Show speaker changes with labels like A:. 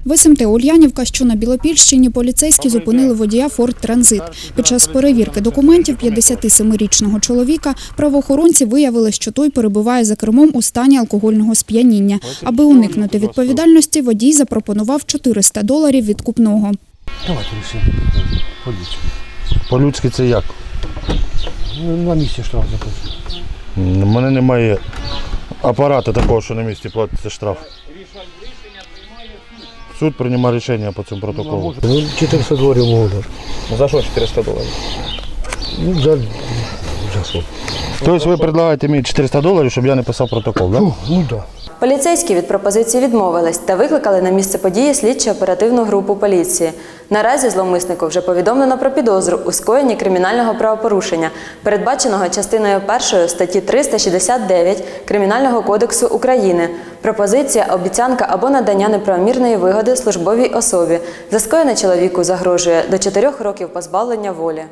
A: В СМТ Ульянівка, що на Білопільщині, поліцейські зупинили водія «Форд Транзит». Під час перевірки документів 57-річного чоловіка правоохоронці виявили, що той перебуває за кермом у стані алкогольного сп'яніння. Аби уникнути відповідальності, водій запропонував $400 відкупного.
B: Давайте рішимо по-людськи.
C: По-людськи це як?
B: На місці штраф заплатити.
C: У мене немає апарату такого, що на місці платиться штраф. Суд приймає рішення по цьому протоколу.
B: Ну, $400 можу дати.
D: За що $400?
B: Ну, за що?
C: Тобто ви пропонуєте мені $400, щоб я не писав протокол, так?
B: Ну, так.
E: Поліцейські від пропозиції відмовились та викликали на місце події слідчо-оперативну групу поліції. Наразі зловмиснику вже повідомлено про підозру у скоєнні кримінального правопорушення, передбаченого частиною 1 статті 369 Кримінального кодексу України. Пропозиція, обіцянка або надання неправомірної вигоди службовій особі. За скоєне чоловіку загрожує до 4 років позбавлення волі.